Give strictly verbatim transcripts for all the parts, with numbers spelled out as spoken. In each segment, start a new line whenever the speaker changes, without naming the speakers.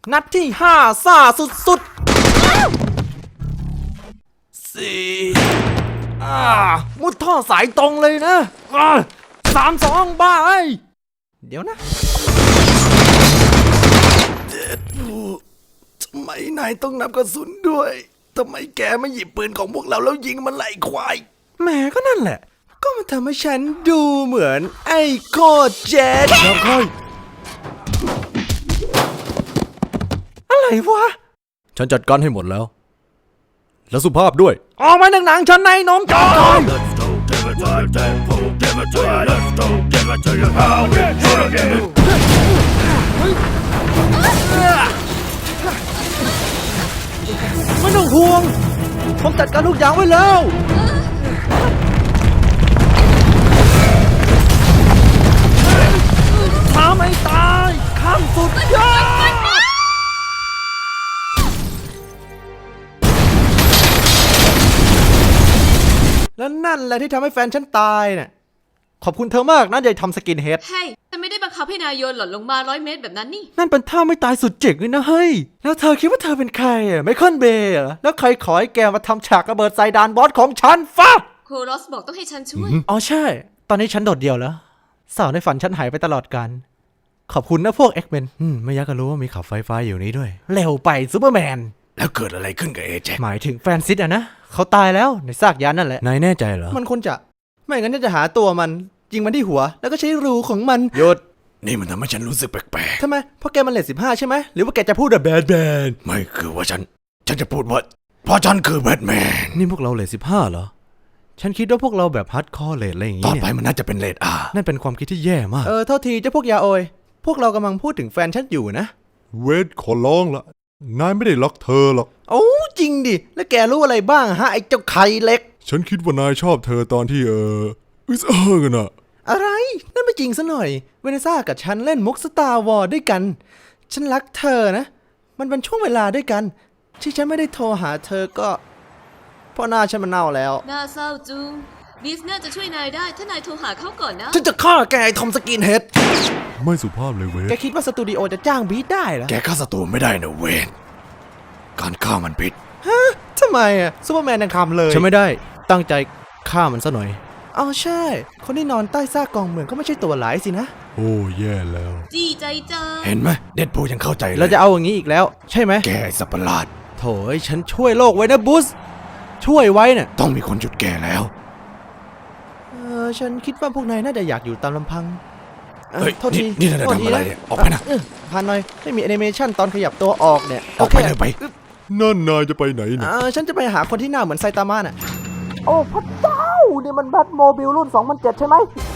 นัดที่ห้าซ่าสุดๆสี่อ่ามุดท่อสายตรงเลยนะอ่าสามสองบ้าไอ้เดี๋ยวนะเจ็ดทำไมนายต้องนับกระสุนด้วยทำไมแกไม่หยิบปืนของพวกเราแล้วยิงมันไล่ควายแหมก็นั่นแหละก็มันทำให้ฉันดูเหมือนไอ้โคตรเจ็ดแล้วค่อยอะไรวะฉันจัดการให้หมดแล้วแล้วสุภาพด้วยออกมาหนังๆฉันในนมจอยไม่ต้องห่วงผมจัดการทุกอย่างไว้แล้วท้าไม่ตายข้ามสุดยอดและนั่นแหละที่ทำให้แฟนฉันตายน่ะขอบคุณเธอมากนะยายทำสกินเฮด
เฮ้ยฉันไม่ได้บังคับให้นายโยนหล่นลงมาร้อยเมตรแบบนั้นนี่
นั่นเป็นท่าไม่ตายสุดเจ๋งเลยนะเฮ้ยแล้วเธอคิดว่าเธอเป็นใครอ่ะไมเคิลเบย์เหรอแล้วใครขอให้แกมาทำฉากระเบิดใส่ดานบอสของฉันฟ้า
โครอสบอกต้องให้ฉันช่วย
อ๋อใช่ตอนนี้ฉันโดดเดี่ยวแล้วสาวในฝันฉันหายไปตลอดกาลขอบคุณนะพวกเอ็กเมนไม่อยากจะรู้ว่ามีขับไฟฟ้าอยู่นี้ด้วยเร็วไปซูเปอร์แมน
แล้วเกิดอะไรขึ้นกับเอเจ
หมายถึงแฟนซิสอะนะเขาตายแล้วในซากยานนั่นแหละนายแน่ใจเหรอมันควรจะไม่งั้นจะหาตัวมันยิงมันที่หัวแล้วก็ใช้รูของมัน
หยุดนี่มันทำให้ฉันรู้สึกแปลก
ๆทำไมเพราะแกมันเลทสิบห้าใช่ไหมหรือว่าแกจะพูดแบบแบดแบด
ไม่คือว่าฉันฉันจะพูดว่าเพราะฉันคือแบทแมน
นี่พวกเราเลทสิบห้าเหรอฉันคิดว่าพวกเราแบบฮัดคอร์เลทอะไรอย่างงี้
ต่อไปมันน่าจะเป็นเลทอา
นั่นเป็นความคิดที่แย่มากเออโทษทีเจ้าพวกยาโอยพวกเรากำลังพูดถึงแฟนฉันอยู่นะ
เวทขอร้องละนายไม่ได้รักเธอหรอก
โอ้จริงดิแล้วแกรู้อะไรบ้างฮะไอ้เจ้าไข่เล็ก
ฉันคิดว่านายชอบเธอตอนที่เอออึสเออกันอะ
อะไรนั่นไม่จริงซะหน่อยเวเนซ่ากับฉันเล่นมุกสตาร์วอร์ด้วยกันฉันรักเธอนะมันเป็นช่วงเวลาด้วยกันที่ฉันไม่ได้โทรหาเธอก็เพราะหน้าฉันมันเน่าแล้ว
น่าเศร้าจุงดิสน่าจะช่วยนายได้ถ้านายโทรหาเขาก่อนนะ
ฉันจะฆ่าแกไอ้ทอมสกินเฮด
ไม่สุภาพเลยเวท
แกคิดว่าสตูดิโอจะจ้างบีทได้เหรอ
แกฆ่าศัตรูไม่ได้นะเวทการฆ่ามันผิด
ฮะทำไมอ่ะซูเปอร์แมนยังคำเลยฉันไม่ได้ตั้งใจฆ่ามันซะหน่อยอ๋อใช่คนที่นอนใต้ซากกองเมืองก็ไม่ใช่ตัวร้ายสินะ
โอ้แย่แล้ว
จีใจจ้า
เห็นไหมเดดพูลยังเข้าใจเลย
เราจะเอาอย่างนี้อีกแล้วใช่ไหม
แกไอ้สัตว์ประหลาด
โถ่ฉันช่วยโลกไว้นะบูสช่วยไว้น่ะ
ต้องมีคนหยุดแกแล้ว
เออฉันคิดว่าพวกนายน่าจะอยากอยู่ตามลำพัง
เฮ้ยโทษทีนี่นายทำอะไรเนี่ยออกไปนะ
ผ่านหน่อยไม่มีแอนิเมชันตอนขยับตัวออกเนี่ย
ออกไปเลยไป
นั่นนายจะไปไหนเนี่ย
ฉันจะไปหาคนที่หน้าเหมือนไซตามะน่ะโอ้พระเจ้านี่มันแบทโมบิลรุ่นสองพันเจ็ดใช่ไหม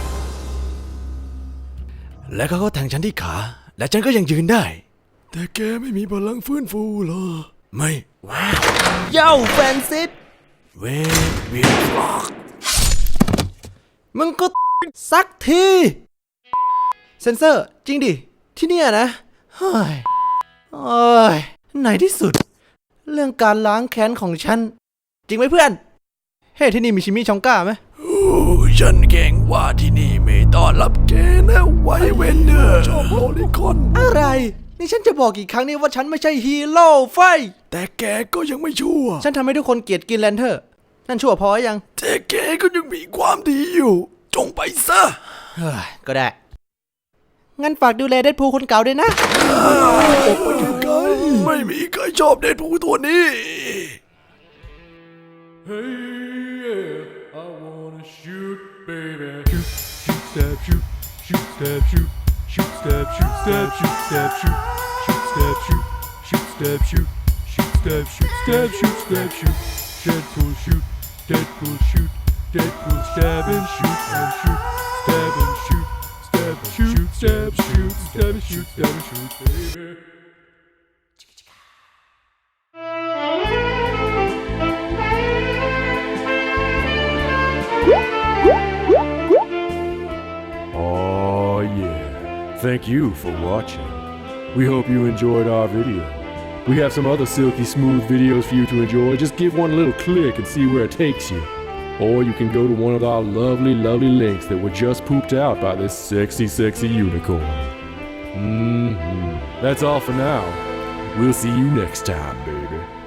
และเขาก็แทงฉันที่ขาและฉันก็ยังยืนได้แต่แกไม่มีพลังฟื้นฟูหรอไม่ว้าว
เย้าแฟนซิส
เวทวิลฟอก
มึงก็สักทีเซนเซอร์จริงดิที่เนี่ยนะเฮ้ยโอ้ยในที่สุดเรื่องการล้างแค้นของฉันจริงไหมเพื่อนเฮ้ที่นี่มีชิมิชองก้าไหม
โอ้ฉันเก่งว่าที่นี่ไม่ต้อนรับแกนะไวเวนเดอร์ชอบโลลิคอน
อะไรนี่ฉันจะบอกกี่ครั้งนี่ว่าฉันไม่ใช่ฮีโร่ไฟ
แต่แกก็ยังไม่ชั่ว
ฉันทำให้ทุกคนเกลียดกินแลนเทอร์นั่นชั่วพอยัง
แต่แกก็ยังมีความดีอยู่จงไปซะ
ก็ได้งั้นฝากดูแลเดดพูลคนเก่าด้วยนะ
ไม่มีใครชอบเดดพูลตัวนี้
Hey yeah I wanna shoot baby shoot shoot stab shoot shoot stab shoot shoot stab shoot stab shoot stab shoot shoot stab shoot shoot stab shoot shoot stab shoot stab shoot stab shoot Deadpool shoot Deadpool shoot Deadpool stab and shoot and shoot stab and shoot stab and shoot stab shoot stab and shoot stab and shoot baby
Oh yeah, thank you for watching. We hope you enjoyed our video. We have some other silky smooth videos for you to enjoy. Just give one little click and see where it takes you. Or you can go to one of our lovely, lovely links that were just pooped out by this sexy, sexy unicorn. Mm-hmm. That's all for now. We'll see you next time, baby.